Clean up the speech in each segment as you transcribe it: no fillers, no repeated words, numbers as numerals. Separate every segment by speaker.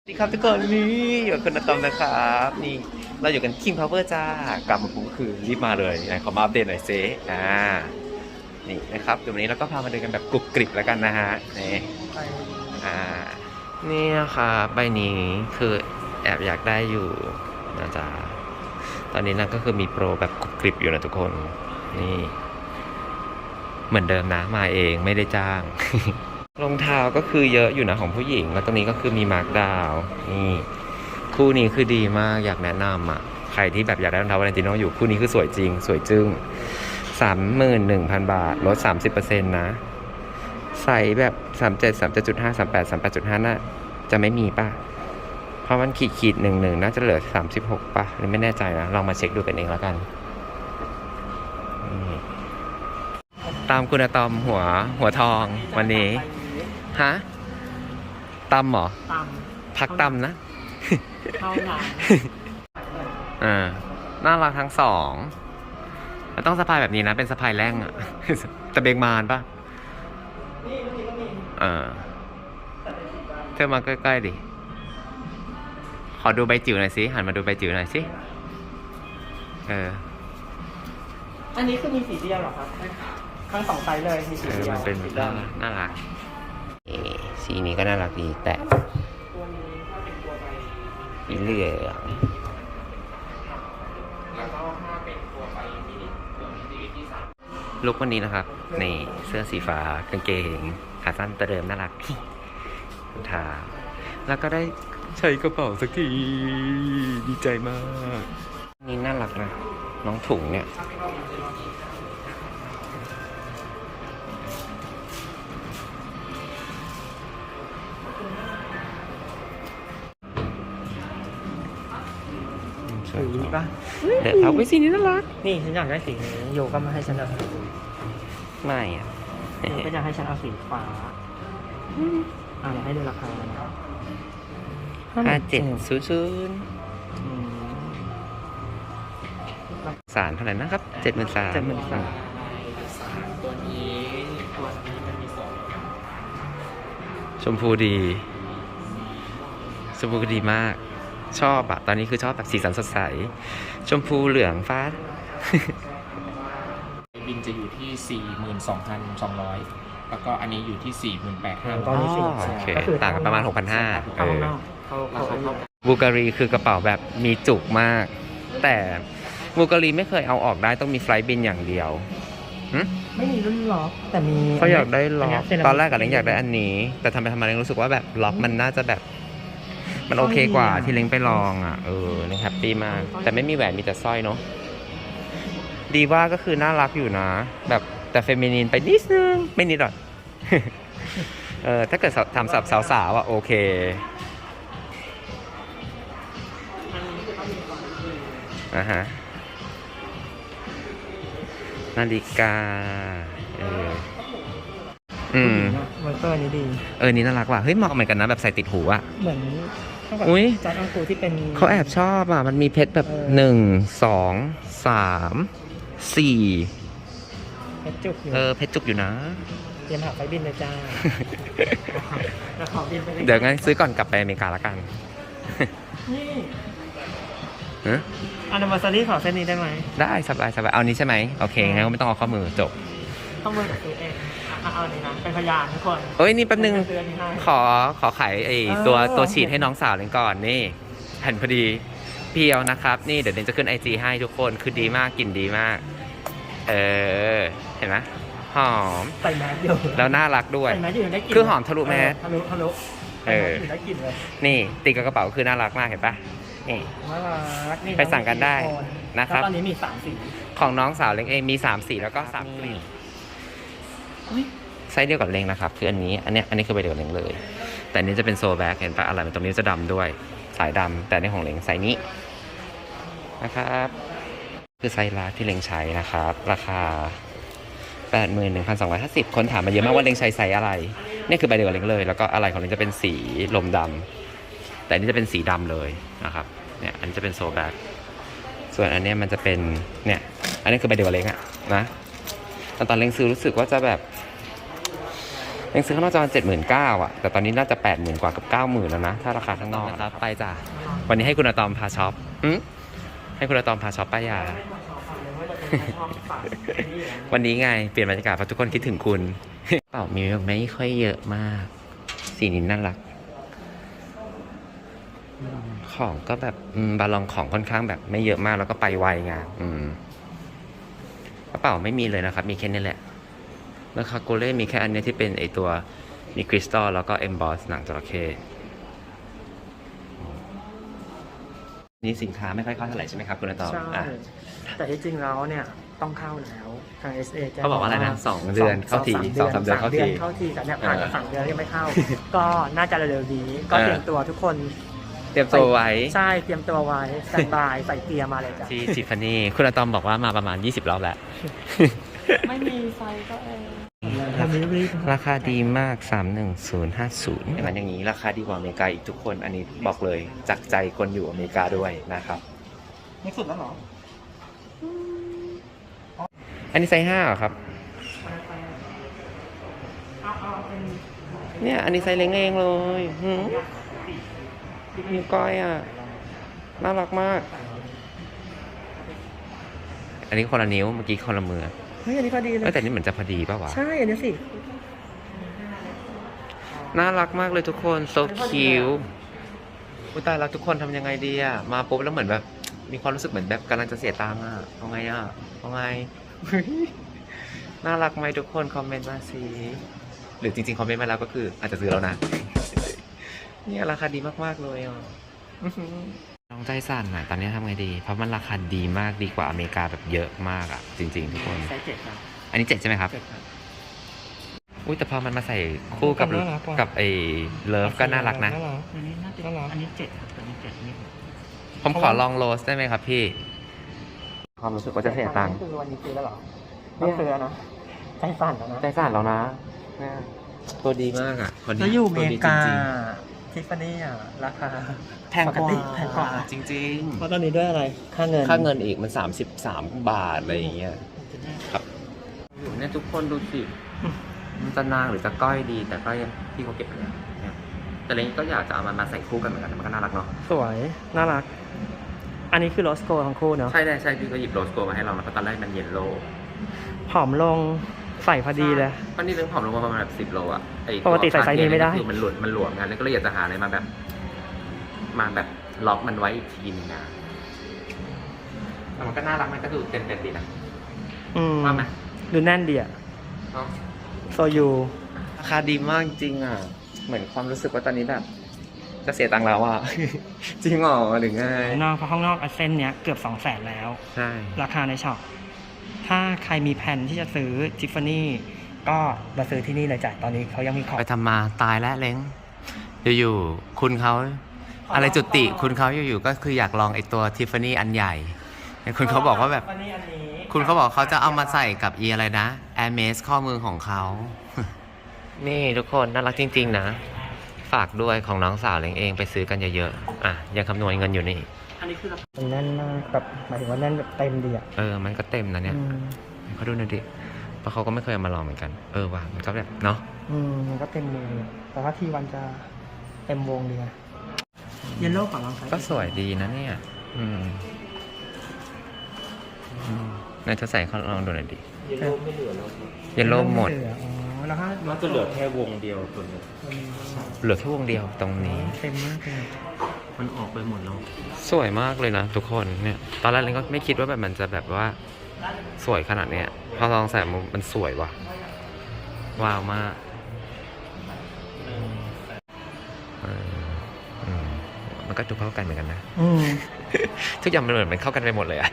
Speaker 1: สวัสดีครับทุกคนนี่อยู่กับคุณอะตอมนะครับนี่เราอยู่กัน King Power จ้ากลับมาปุ๊บคือรีบมาเลยไหนขอมาอัปเดตหน่อยเซนี่นะครับเดี๋ยววันนี้เราก็พามาเดินกันแบบกรุบกริบแล้วกันนะฮะนี่อ่านี่นะคะใบนี้คือแอบอยากได้อยู่นะจ๊ะตอนนี้นะก็คือมีโปรแบบกรุบกริบอยู่นะทุกคนนี่เหมือนเดิมนะมาเองไม่ได้จ้าง รองเท้าก็คือเยอะอยู่นะของผู้หญิงแล้วตรงนี้ก็คือมีมาร์คดาวนี่คู่นี้คือดีมากอยากแนะนำอ่ะใครที่แบบอยากได้รองเท้าวาเลนติโนอยู่คู่นี้คือสวยจริงสวยจึ้ง 31,000 บาทลด 30% นะใส่แบบ37 37.5 38 38.5น่าจะไม่มีป่ะเพราะมันขีด11น่าจะเหลือ36ป่ะไม่แน่ใจนะลองมาเช็คดูกันเองแล้วกันตามคุณอะตอมหัวทองวันนี้ฮะตำเหรอ
Speaker 2: ต
Speaker 1: พักตำนะ
Speaker 2: เท่านั้น
Speaker 1: น่ารักทั้งสองมันต้องสะพายแบบนี้นะเป็นสะพายแร่งอะ แต่เบงมานป่ะเธอมาใกล้ๆดิขอดูใบจิ๋วหน่อยสิหันมาดูใบจิ๋วหน่อยสิ
Speaker 2: อันนี้คือมีสีเดียวเหรอครับทั้งสองไซส์เลยมีสีเดียว
Speaker 1: มันเป็นน่ารักสีนี้ก็น่ารักดีแต่
Speaker 2: ตัวนี้ถ้าเป็นตัวใบ
Speaker 1: สีเหลือง
Speaker 2: แล้วก็ถ้าเป็นตัวใบที่ตัวนี้ที่3
Speaker 1: ลุควันนี้นะครับนี่เสื้อสีฟ้ากางเกงขาสั้นตัวเดิมน่ารักรองเท้าแล้วก็ได้ใช้กระเป๋าสักทีดีใจมากนี่น่ารักนะน้องถุงเนี่ย
Speaker 2: สีป่ะ
Speaker 1: เดี๋ยวเอาไปสีนี้น่ารัก
Speaker 2: นี่ฉันอยากได้สีนี้โยก็มาให้ฉันเอา
Speaker 1: ไม่อ่ะ
Speaker 2: โยก็อยากให้ฉันเอาสีฟ้าเดี๋ยวให้ดูราคานะ
Speaker 1: 5700สารเท่าไหร่นะครับ73,000
Speaker 2: ตัวนี้ตัวนี้มันมี2
Speaker 1: ชมพูดีชมพูดีมากชอบอะตอนนี้คือชอบแบบสีสันสดใสชมพูเหลืองฟ้า
Speaker 3: บินจะอยู่ที่ 42,200 แล้วก็อันนี้อยู่ที่ 48,500
Speaker 2: ตอนนี้สี
Speaker 1: โอเคต่างกันประมาณ
Speaker 2: 6,500
Speaker 1: บูการีคือกระเป๋าแบบมีจุกมากแต่บูการีไม่เคยเอาออกได้ต้องมีไฟล์บินอย่างเดียว
Speaker 2: ไม่มีรุ่นล็อกแต่มี
Speaker 1: เขาอยากได้ล็อกตอนแรกกับเล้งอยากได้อันนี้แต่ทำไปทำมาเล้งรู้สึกว่าแบบล็อกมันน่าจะแบบมันโอเคกว่าที่เล้งไปลองอ่ะเล้งแฮปปี้มากแต่ไม่มีแหวนมีแต่สร้อยเนาะดีว่าก็คือน่ารักอยู่นะแบบแต่เฟมินีนไปนิดนึงไม่นิดหรอกถ้าเกิดทำสำหรับสาวๆอ่ะโอเคฮะนาฬิกา
Speaker 2: มอเตอร์นี้ดี
Speaker 1: นี่น่ารักว่ะเฮ้ยเหมาะเหมือนกันนะแบบใส่ติดหูอ่ะ
Speaker 2: เหมือน
Speaker 1: อุ้ย
Speaker 2: จอร์จอังกูที่เป็น
Speaker 1: เขาแอบชอบอ่ะมันมีเพชรแบบ1 2 3 4
Speaker 2: เพชรจุกอยู่
Speaker 1: เพชรจุกอยู่นะ
Speaker 2: เตรียมหาไฟบินเลยจ้าแล้วขอบินไป
Speaker 1: เดี๋ยวงั้นซื้อก่อนกลับไปอเมริกาละกัน
Speaker 2: นี่อันดับซารี่ขอเส้นนี้ได้ไหม
Speaker 1: ได้สบายเอานี้ใช่ไหมโอเคงั้นก็ไม่ต้องเอาข้อมือจบ
Speaker 2: ข้อมือกับตัวเองเอานี้นะเป็นพยานทุกคน
Speaker 1: นี่แป๊บนึงขอขายไอ้ตัวฉีดให้น้องสาวเล่นก่อนนี่แผ่นพอดีเพียวนะครับนี่เดี๋ยวเดนจะขึ้น IG ให้ทุกคนคือดีมากกลิ่นดีมากเห็นไหมหอม
Speaker 2: ใส่แมสอยู่
Speaker 1: แล้วน่ารักด้วย
Speaker 2: ใส่แมสอยู่ได้กลิ่น
Speaker 1: คือหอมทะลุแมส
Speaker 2: ทะลุได้กลิ่นเลย
Speaker 1: นี่ติดกับกระเป๋าคือน่ารักมากเห็นปะนี่ไปสั่งกันได้นะครับ
Speaker 2: ตอนนี้มี3 สี
Speaker 1: ของน้องสาวเล้งเองมี3 สีแล้วก็3 กลิ่นไซส์เดียวกับเล้งนะครับคืออันนี้คือใบเดียวกับเล้งเลยแต่อันนี้จะเป็นโซแบ็กเห็นปะอะไรมันตรงนี้จะดำด้วยสายดำแต่ในของเล้งไซส์นี้นะครับคือไซส์ลาที่เล้งใช้นะครับราคา 81,250 คนถามมาเยอะมากว่าเล้งใช้ไซส์อะไรนี่คือใบเดียวกับเล้งเลยแล้วก็อะไรของเล้งจะเป็นสีลมดำแต่อันนี้จะเป็นสีดำเลยนะครับเนี่ยอันนี้จะเป็นโซแบ็กส่วนอันนี้มันจะเป็นเนี่ยอันนี้คือใบเดียวกับเล้งอะนะตอนเล้งซื้อรู้สึกว่าจะแบบยังซื้อข้างนอกจะประมาณ79,000 อ่ะแต่ตอนนี้น่าจะ 80,000 กว่ากับ 90,000 แล้วนะถ้าราคาข้างนอกนะครับไปจ้ะวันนี้ให้คุณอะตอมพาช็อปให้คุณอะตอมพาช็อปป้ายา วันนี้ไงเปลี่ยนบรรยากาศเพราะทุกคนคิดถึงคุณ เปล่ามีไม่ค่อยเยอะมากสีนี้น่ารักของก็แบบบาลองของค่อนข้างแบบไม่เยอะมากแล้วก็ไปไวไงกระเป๋าไม่มีเลยนะครับมีแค่นี้แหละแล้วคาโกเล่มีแค่อันนี้ที่เป็นไอตัวมีคริสตัลแล้วก็เอมบอสหนังจระเข้นี่สินค้าไม่ค่อยเข้าเท่าไหร่ใช่ไหมครับคุณอะตอม
Speaker 2: ใช่
Speaker 1: อ่ะ
Speaker 2: แต่ที่จริงแล้วเนี่ยต้องเข้าแล้วทาง SA แจ้ง
Speaker 1: เขาบอกว่าอะไรนะ2 เดือนเข้าที2-3 เดือนเข้าที
Speaker 2: เข้าทีแต่เนี่ยผ่านมา3 เดือนยังไม่เข้า ก็น่าจะเร็วๆนี้ก็เตรียมตัวทุกคน
Speaker 1: เตรียมตัวไว้
Speaker 2: ใช่เตรียมตัวไว้สแตนบายใส่เกียร์มาเลยจ้ะ
Speaker 1: ที่ทิฟฟานี่คุณอะตอมบอกว่ามาประมาณ20 รอบแล้ว
Speaker 2: ไม่มีไฟก็เองรีบ
Speaker 1: ราคาดีมาก 31050อย่างนั้นอย่างนี้ราคาดีกว่าอเมริกาอีกทุกคนอันนี้บอกเลยจากใจคนอยู่อเมริกาด้วยนะครับ
Speaker 2: ไม่สุดแล้วเหรอ
Speaker 1: อันนี้ไซส์5เหรอครับ
Speaker 2: เอาเป็น
Speaker 1: เนี่ยอันนี้ไซส์เล็กเองเลยนิ้วก้อยอ่ะน่ารักมาก อันนี้คนละนิ้วเมื่อกี้คนละมือ
Speaker 2: เฮ้ยอันนี้พอดีเลย
Speaker 1: แต่นี่เหมือนจะพอดีป่าวะ
Speaker 2: ใช่อันนี้สิ
Speaker 1: น่ารักมากเลยทุกคน so cute อุยตายแล้วทุกคนทำยังไงดีอ่ะมาปุ๊บแล้วเหมือนแบบมีความรู้สึกเหมือนแบบกำลังจะเสียตังค์อ่ะเอาไงอ่ะเอาไง น่ารักไหมทุกคนคอมเมนต์มาสิหรือจริงๆคอมเมนต์มาแล้วก็คืออาจจะซื้อแล้วนะ เนี่ยราคาดีมากๆเลยอ่ะ น้องใจสั่นอ่ะตอนนี้ทำไงดีเพราะมันราคาดีมากดีกว่าอเมริกาแบบเยอะมากอ่ะจริงๆทุกคน
Speaker 2: ไซส์7ครับ
Speaker 1: อันนี้7ใช่ไหมครับ
Speaker 2: 7ครับ
Speaker 1: อุ้ยแต่พอมันมาใส่คู่กับ
Speaker 2: น่ารักว่ะ
Speaker 1: กับไอ้เลิฟก็น่ารักนะ
Speaker 2: อันนี้น่าจะอันนี้7ครับอันนี้7นี่
Speaker 1: ผมขอลองโรสได้ไหมครับพี่ ความรู้สึกว่าจะเสียตังค์
Speaker 2: คือวันนี้ซื้อแล้วเหรอต้องซื้อนะใจสั่นแล้วนะ
Speaker 1: ใจสั่นแล้วนะตัวดีมากอ่ะคนนี้
Speaker 2: แล้วอยู่อเม
Speaker 1: ตัว
Speaker 2: ริ
Speaker 1: ดี
Speaker 2: กา
Speaker 1: จริง
Speaker 2: ทิฟฟานี่อ่ะราคา
Speaker 1: ๆแพงก
Speaker 2: ปกติ
Speaker 1: ว่า
Speaker 2: แพงกว่า
Speaker 1: จริง
Speaker 2: เพราะตอนนี้ด้วยอะไรค่าเงิน
Speaker 1: ๆ ค่าเงินอีกมัน33 บาทอะไรอย่างเงี้ยครับเนี่ยทุกคนดูสิมันจะนางหรือจะก้อยดี แต่ก็ยังพี่เขาเก็บไปแล้วเนี่ยแต่เล้งก็อยากจะเอามันมาใส่คู่กันเหมือนกันมันก็น่ารักเนาะ
Speaker 2: สวยน่ารัก อันนี้คือโรสโกทั้งคู่เนาะ
Speaker 1: ใช่ได้ใช่พี่ก็หยิบโรสโกมาให้เราแล้วก็ตอนแรกมันเยลโล่
Speaker 2: ผอมลงใส่พอดีเลย
Speaker 1: ตอนนี้เรื่องผอมลงมาประมาณแบบ10 โลอ่ะไอ้
Speaker 2: ปกติใส่ไซส์นี้ไม่ได้
Speaker 1: คือมันหลวมกันแล้วก็เลยอยากจะหาอะไรมาแบบล็อกมันไว้อีกทีนึงนะแต่มันก็น่ารักมันก็ดูเต็มดีนะ ว่าไหม
Speaker 2: ดูแน่นดีอะ
Speaker 1: เนาะ
Speaker 2: โซยู
Speaker 1: ราคาดีมากจริงอ่ะเหมือนความรู้สึกว่าตอนนี้แบบจะเสียตังค์แล้วอ่ะ จริงเหรอหรือไง
Speaker 2: นอกเพราะข้างนอกเส้นเนี้ยเกือบ200,000แล้ว
Speaker 1: ใช่
Speaker 2: ราคาในช็อป ถ้าใครมีแผนที่จะซื้อทิฟฟานี่ก็มาซื้อที่นี่เลยจ้ะ ตอนนี้เขายังมีของ
Speaker 1: ไปทำมาตายแล้วเล้งอยู่ๆคุณเขาอะไรจุติคุณเขาอยู่ๆก็คืออยากลองไอตัวทิฟฟานี่อันใหญ่คุณเขาบอกว่าแบบ
Speaker 2: ทิฟฟานี่อันนี้
Speaker 1: คุณเขาบอกเขาจะเอามาใส่กับอีอะไรนะ Air m a s ข้อมือของเขา นี่ทุกคนน่ารักจริงๆนะ ฝากด้วยของน้องสาวเล้งเองไปซื้อกันเยอะๆ อ่ะ ยังคำนวณเงินอยู่นี่
Speaker 2: อันนี้คือมันแน่นมากแบบหมายถึงว่าแน่นแบบเต็มดีอ่ะ
Speaker 1: มันก็เต็มนะเนี่ยเขาดูหน่อยดิเพราะเขาก็ไม่เคยเอามาลองเหมือนกัน ว่ะมันก็แบบเนาะ
Speaker 2: มันก็เต็มมือแต่ว่าทีวันจะเต็มวงดีอะเยลโล่ก่อนลองใช้
Speaker 1: ก็สวยดีนะเนี่ยนายจะใส่เขาลองดูหน่อยดิ
Speaker 3: เยลโล่ไม่เหลือแล้ว
Speaker 1: เยลโล่หมด
Speaker 2: แล้วก็
Speaker 3: น่าจะเหลือแค่วงเดียวตัวนี้
Speaker 1: เหลือแค่วงเดียวตรงนี้
Speaker 2: เต็มมากเลย
Speaker 3: มันออกไปหมดแล้ว
Speaker 1: สวยมากเลยนะทุกคนเนี่ย ตอนแรกเราก็ไม่คิดว่าแบบมันจะแบบว่าสวยขนาดเนี้ยพอลองใส่มันสวยว่ะ ว้าวมากมันก็ดูเข้ากันเหมือนกันนะ ทุกอย่างมันเหมือนมันเข้ากันไปหมดเลยอะ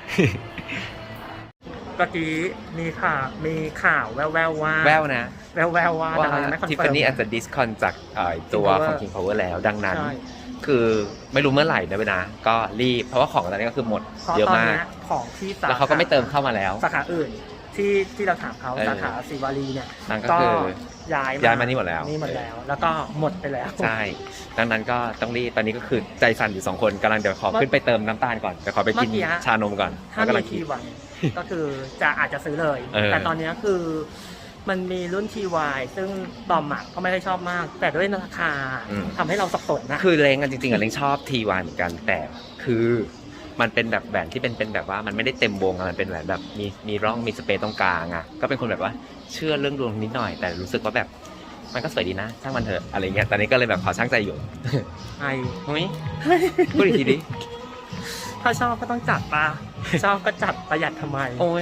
Speaker 2: เมื่อกี้มีข่าวแววๆว่า
Speaker 1: แววนะ
Speaker 2: แววๆว่าแต่เรายังไม่คอน
Speaker 1: ทิฟ
Speaker 2: เฟิ
Speaker 1: ฟา
Speaker 2: ร์ม
Speaker 1: นี่อาจจะดิสคอนจากตัว
Speaker 2: King Power
Speaker 1: ของ King Power แล้ว ดังนั้น
Speaker 2: ใช่
Speaker 1: คือไม่รู้เมื่อไหร่นะเว้ยนะ ก็รีบ เพราะว่าของตอนนี้ก็คือหมด
Speaker 2: เพราะ
Speaker 1: เยอะ
Speaker 2: ตอน
Speaker 1: มาก
Speaker 2: เนี้ยของที่สา
Speaker 1: แล้วเขาก็ไม่เติมเข้ามาแล้ว
Speaker 2: สาขาอื่นที่เราถามเขาสาขาศิวารีเนี่ย
Speaker 1: นั่นก็
Speaker 2: ก็
Speaker 1: คือ
Speaker 2: ย้าย
Speaker 1: ย้ายมานี่หมดแล้ว
Speaker 2: นี่หมดแล้ว แล้วก็หมดไปแล้ว
Speaker 1: ใช่ ดังนั้นก็ต้องรีบ ตอนนี้ก็คือใจสั่นอยู่2 คนกำลังเดี๋ยวขอขึ้นไปเติมน้ำตาลก่อนเดี๋ยวขอไปกิน
Speaker 2: เมื่อกี้ฮะ
Speaker 1: ชานมก่อน
Speaker 2: ถ้า
Speaker 1: แล้วกำ
Speaker 2: มี
Speaker 1: ลังคิ
Speaker 2: ที
Speaker 1: ด
Speaker 2: วันก็คืออาจจะซื้อเลย
Speaker 1: เออ
Speaker 2: แต่ตอนเนี้ยคือมันมีรุ่น TY ซึ่งตอมอ่ะก็ไม่ได้ชอบมาก แต่ด้วยราคา
Speaker 1: อืม
Speaker 2: ทำให้เราสับสนนะ
Speaker 1: คือเล้งกันจริงๆอะเล้งชอบ T1 เหมือนกันแต่คือมันเป็นแบบแหวนที่เป็นแบบว่ามันไม่ได้เต็มวงอะมันเป็นแหวนแบบมีร่องมีสเปซตรงกลางอะก็เป็นคนแบบว่าเชื่อเรื่องดวงนิดหน่อย แต่รู้สึกว่าแบบมันก็สวยดีนะช่างมันเถอะอะไรเงี้ยตอนนี้ก็เลยแบบขอช่างใจอยู่
Speaker 2: ไอ
Speaker 1: เฮ้ยพูดอีกทีดิ
Speaker 2: ถ้าชอบก็ต้องจัดปะ ชอบก็จัดประหยัดทำไม
Speaker 1: โอ้ย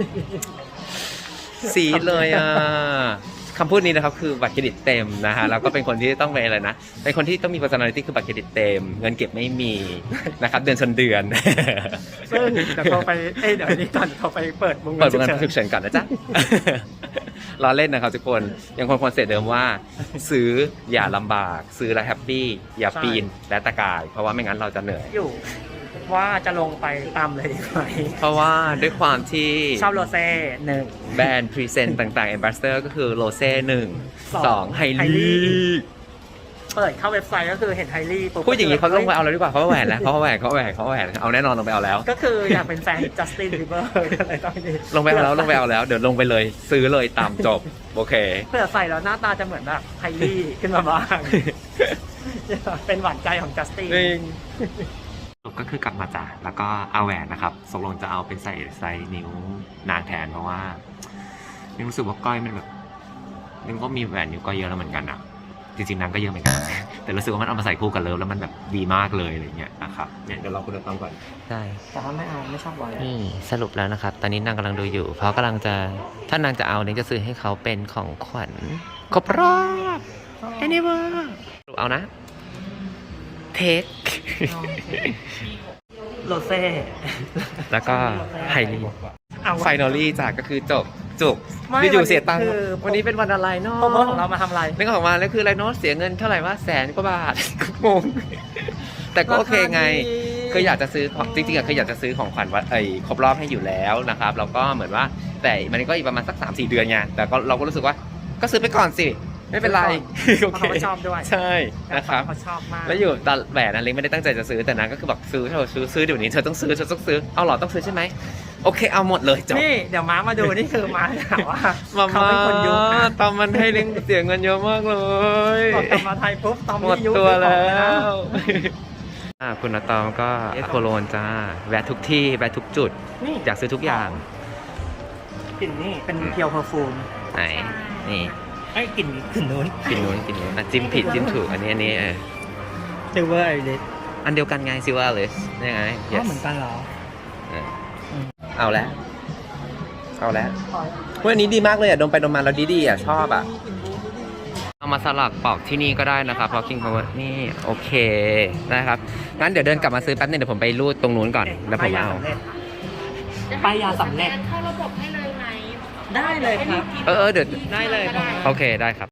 Speaker 1: สีดเลยอ่ะคำพูดนี้นะครับคือบัตรเครดิตเต็มนะฮะแล้วก็เป็นคนที่ต้องเป็นอะไรนะเป็นคนที่ต้องมี personality คือบัตรเครดิตเต็มเงินเก็บไม่มีนะครับเดือนชนเดือน
Speaker 2: ซึ่งเดี๋ยวเขาไปเดี๋ยวนี้ก่อนเขาไปเปิดวง
Speaker 1: เปิดโรงงาน
Speaker 2: ฉุกเฉิน
Speaker 1: ฉุกเฉินก่อนนะจ๊ะ ล้อเล่นนะครับทุกคนยังคงคอนเซ็ปต์เดิมว่า ซื้ออย่าลำบาก ซื้อแล้วแฮปปี้อย่าปีนและตะกาย เพราะว่าไม่งั้นเราจะเหนื่อย
Speaker 2: อยู่ว่าจะลงไปตามเลยดีไหม
Speaker 1: เพราะว่าด้วยความที่
Speaker 2: ชอบโรเซ่หนึ่ง
Speaker 1: แบรนด์พรีเซนต์ต่างๆ a อ b บ s สเตอร์ก็คือโรเซ่หนึ่ง
Speaker 2: ส
Speaker 1: ส
Speaker 2: อ
Speaker 1: อง งไฮ
Speaker 2: ไฮ
Speaker 1: ลี
Speaker 2: ลี่ เปิดเข้าเว็บไซต์ก็คือเห็นไฮลี่ปุ๊บ
Speaker 1: พูดอย่างนี้เขาลงไปเอาแล้วดีกว่าเขาแหวนแล้วเขาแหวนเอาแน่นอนลงไปเอาแล้ว
Speaker 2: ก็คืออยากเป็นแฟนจัสตินบีเบอร์อะไรตอนนี้
Speaker 1: ลงไปเอาแล้วเดี๋ยวลงไปเลย ซื้อเลยตามจบโอเค
Speaker 2: เผื่อใส่แล้วหน้าตาจะเหมือนแบบไฮลี่ขึ้นมาบ้าง เป็นหวานใจของจัสติน
Speaker 1: สรุปก็คือกลับมาจ้ะแล้วก็เอาแหวนนะครับตกลงจะเอาเป็นใส่นิ้วนางแทนเพราะว่านึกรู้สึกว่าก้อยมันแบบนึกว่ามีแหวนนิ้วก้อยเยอะแล้วเหมือนกันอะจริงๆนางก็เยอะเหมือนกัน แต่รู้สึกว่ามันเอามาใส่คู่กันเลิฟแล้วมันแบบดีมากเลยอะไรเงี้ยนะครับเนี่ยเดี๋ยวเราคุณต้องก่อนใช่
Speaker 2: แต่ว่าไม่เอาไม่ชอบวาย
Speaker 1: นี่สรุปแล้วนะครับ ตอนนี้นางกำลังดูอยู่ เพราะกำลังจะถ้านางจะเอาเนี่ยจะซื้อให้เขาเป็นของขวัญครบรอบแอนนิเวอร์เอานะเทค
Speaker 2: โรเซ่
Speaker 1: แล้วก็ไฮลี
Speaker 2: เอา
Speaker 1: ไฟนอลี่จ้ะก็คือจบ
Speaker 2: ไม่
Speaker 1: อยู่ๆเสียตังค์
Speaker 2: คือ
Speaker 1: วันนี้เป็นวันอะไรเนาะ
Speaker 2: โปรโมทของเรามาทำอะไร
Speaker 1: นึกออกมาแล้วคืออะไรเนาะเสียเงินเท่าไหร่ว่า100,000 กว่าบาท งงแต่ก็โอเคไง คืออยากจะซื้อของจริงๆอะคืออยากจะซื้อของขวัญวันครบรอบให้อยู่แล้วนะครับแล้วก็เหมือนว่าแต่มันก็อีกประมาณสัก 3-4 เดือนไงแต่ก็เราก็รู้สึกว่าก็ซื้อไปก่อนสิไม่เป็นไร
Speaker 2: เพราะเขาก็ชอบด้วย
Speaker 1: ใช่นะครับ
Speaker 2: เขาชอบมาก
Speaker 1: แล้วอยู่ตอนแหวนอันเล็กไม่ได้ตั้งใจจะซื้อแต่นางก็คือบอกซื้อเดี๋ยวนี้เธอต้องซื้อเอาหรอต้องซื้อใช่ไหมโอเคเอาหมดเลยจบ
Speaker 2: นี่เดี๋ยวม้ามาดูนี่คือม้าถามว่า
Speaker 1: มา
Speaker 2: เขาเป็นคนยุคนะ
Speaker 1: ตอมมันให้เลี้ยงเสียเงินเยอะมากเลย
Speaker 2: พอกลับมาไทยปุ๊บตอม
Speaker 1: หมด
Speaker 2: นี่ยุค
Speaker 1: ตัวแล้
Speaker 2: ซื้อของ
Speaker 1: วคุณตอมก็โคโลนจ้าแวะทุกที่แวะทุกจุด
Speaker 2: นี่
Speaker 1: อยากซื้อทุกอย่าง
Speaker 2: กลิ่นนี่เป็นเพียวเพอร์ฟูม
Speaker 1: ไหนนี่
Speaker 2: ไอ้กลิ่นนู้น
Speaker 1: กินนู้นอ่ะจิ้มผิดจิ้มถูกอันนี้
Speaker 2: ซิลเวอร์ไอริส
Speaker 1: อันเดียวกันไงซิว่าเลยนี่ไง
Speaker 2: ก็เหมือนกันเหรอ
Speaker 1: เอาแล้ววันนี้ดีมากเลยอ่ะดมไปดมมาแล้วดีอ่ะชอบอ่ะเอามาสลักปอกที่นี่ก็ได้นะครับเพราะ King Power นี่โอเคนะครับงั้นเดี๋ยวเดินกลับมาซื้อแป๊บนึงเดี๋ยวผมไปรูดตรงนู้นก่อนแล้วผมเอา
Speaker 2: ไปยาสำเร็จ
Speaker 4: เข้าระบบให้เลยไหม
Speaker 2: ได้เลยครับ
Speaker 1: เดี๋ยว
Speaker 2: ได้เลยครับ
Speaker 1: โอเคได้ครับ